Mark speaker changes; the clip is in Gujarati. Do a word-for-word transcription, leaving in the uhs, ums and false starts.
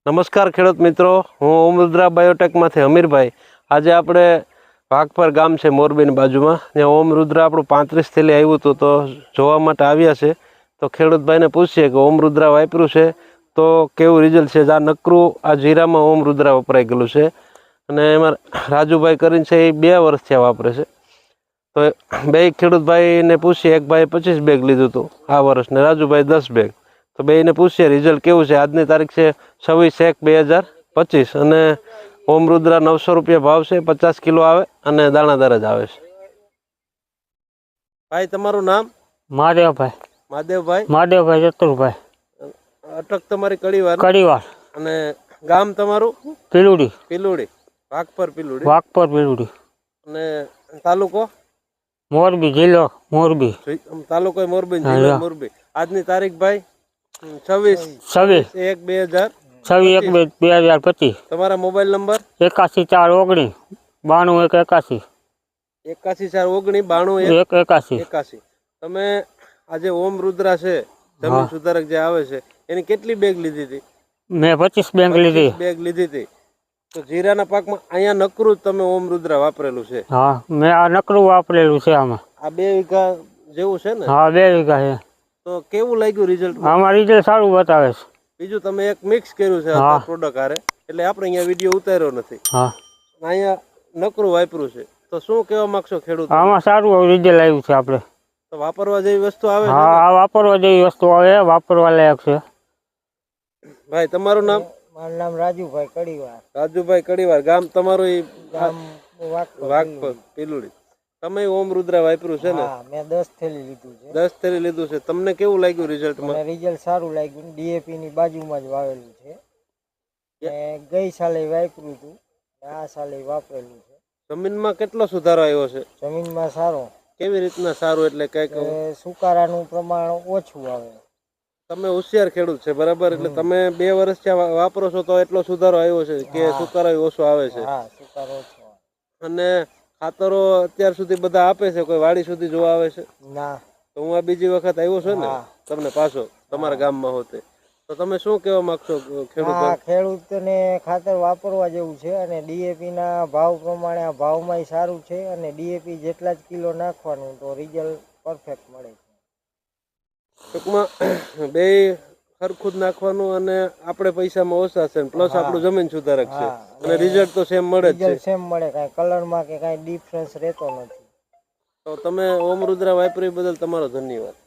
Speaker 1: નમસ્કાર ખેડૂત મિત્રો, હું ઓમરુદ્રા બાયોટેકમાંથી અમીરભાઈ. આજે આપણે વાઘપર ગામ છે મોરબીની બાજુમાં, ત્યાં ઓમરુદ્રા આપણું પાંત્રીસ થેલી આવ્યું હતું, તો જોવા માટે આવ્યા છે. તો ખેડૂતભાઈને પૂછીએ કે ઓમરુદ્રા વાપર્યું છે તો કેવું રિઝલ્ટ છે. આ નકરું આ જીરામાં ઓમરુદ્રા વપરાઈ ગયેલું છે, અને એમાં રાજુભાઈ કરીને છે એ બે વર્ષથી વાપરે છે. તો બે ખેડૂતભાઈને પૂછીએ, એક ભાઈ પચીસ બેગ લીધું હતું આ વર્ષ ને રાજુભાઈ દસ બેગ. તો બેને પૂછીએ રિઝલ્ટ કેવું છે. આજની તારીખ છે છવ્વીસ એક બે હજાર પચીસ, અને ઓમરુદ્રા નવસો રૂપિયા ભાવ છે, પચાસ કિલો આવે અને દાણાદાર જ આવે છે. ભાઈ તમારું નામ?
Speaker 2: મહાદેવભાઈ.
Speaker 1: મહાદેવભાઈ
Speaker 2: મહાદેવભાઈ ચતુરભાઈ.
Speaker 1: અટક તમારી કડીવાર?
Speaker 2: કડીવાર.
Speaker 1: અને ગામ તમારું?
Speaker 2: પીલુડી.
Speaker 1: પીલુડી, વાઘપર પીલુડી.
Speaker 2: વાઘપર પીલુડી.
Speaker 1: અને તાલુકો?
Speaker 2: મોરબી, જિલ્લો મોરબી.
Speaker 1: તાલુકો મોરબી, જિલ્લો મોરબી. આજની તારીખ ભાઈ છવ્વીસ
Speaker 2: છવ્વીસ
Speaker 1: એક બે હજાર
Speaker 2: છવ્વીસ એક બે હજાર પચીસ.
Speaker 1: તમારા મોબાઈલ નંબર?
Speaker 2: એકાસી ચાર ઓગણીસ બાણું એક એકાસી.
Speaker 1: એકાસી ચાર ઓગણીસ બાણું
Speaker 2: એક એકાસી
Speaker 1: એકાસી. તમે આજે ઓમરુદ્રા છે જમીન સુધારક જે આવે છે, એની કેટલી બેગ લીધી હતી?
Speaker 2: મેં પચીસ બેગ લીધી
Speaker 1: બેગ લીધી હતી. તો જીરાના પાકમાં અહીંયા નકરું તમે ઓમરુદ્રા વાપરેલું છે?
Speaker 2: હા, મેં આ નકરું વાપરેલું છે. આમાં
Speaker 1: આ બે વીઘા જેવું છે ને?
Speaker 2: હા, બે વીઘા છે. તો
Speaker 1: કેવું લાગ્યું રિઝલ્ટ?
Speaker 2: આમાં રિઝલ્ટ સારું બતાવે છે.
Speaker 1: બીજું તમે એક મિક્સ કર્યું છે પ્રોડક્ટ હારે, એટલે આપણે અહીંયા વિડીયો ઉતાર્યો નથી.
Speaker 2: હા,
Speaker 1: અહીંયા નકરું વાપર્યું છે. તો શું કહેવા માંગશો ખેડૂત?
Speaker 2: આમાં સારું રિઝલ્ટ આવ્યું છે. આપણે
Speaker 1: તો વાપરવા જેવી વસ્તુ આવે?
Speaker 2: હા, આ વાપરવા જેવી વસ્તુ આવે, વાપરવા લાયક છે.
Speaker 1: ભાઈ તમારું નામ?
Speaker 3: મારું નામ રાજુભાઈ કડીવાર.
Speaker 1: રાજુભાઈ કડીવાર. ગામ તમારું? ગામ વાઘપર પીલુડી. તમે ઓમરુદ્રા વાપર્યું છે ને?
Speaker 3: મેં દસ થેલી લીધું છે.
Speaker 1: દસ થેલી લીધું છે. તમને કેવું લાગ્યું રિઝલ્ટમાં?
Speaker 3: રિઝલ્ટ સારું લાગ્યું. ડીએપી ની બાજુમાં જ વાવેલું છે. ગઈ સાલે વાપર્યું હતું, આ સાલે વાપરેલું છે.
Speaker 1: જમીનમાં કેટલો સુધારો આવ્યો છે?
Speaker 3: જમીનમાં સારો.
Speaker 1: કેવી રીતના સારું? એટલે કઈક
Speaker 3: સુકારાનું પ્રમાણ ઓછું આવે. તમે
Speaker 1: હોશિયાર ખેડૂત છે બરાબર, એટલે તમે બે વર્ષથી વાપરો છો તો એટલો સુધારો આવ્યો છે કે સુકારો ઓછો આવે છે?
Speaker 3: હા, સુકારો ઓછો.
Speaker 1: અને ખાતરો અત્યાર સુધી બધા આપે છે? કોઈ વાડી સુધી જોવા આવે છે?
Speaker 3: ના.
Speaker 1: તો હું આ બીજી વખત આવ્યો છું ને તમને પાછો તમારા ગામમાં હોતે, તો તમે શું કહેવા માંગશો ખેડૂત?
Speaker 3: ખેડૂતને ખાતર વાપરવા જેવું છે, અને ડીએપી ના ભાવ પ્રમાણે આ ભાવમાં સારું છે, અને ડીએપી જેટલા જ કિલો નાખવાનું તો રિઝલ્ટ પરફેક્ટ મળે છે.
Speaker 1: ટૂંકમાં બે સરખું જ નાખવાનું, અને આપણે પૈસામાં ઓછા છે, પ્લસ આપણું જમીન સુધારક છે, અને રિઝલ્ટ તો સેમ મળે છે.
Speaker 3: સેમ મળે, કાંઈ કલરમાં કે કાંઈ ડિફરન્સ રહેતો નથી.
Speaker 1: તો તમે ઓમરુદ્રા વાપરી બદલ તમારો ધન્યવાદ.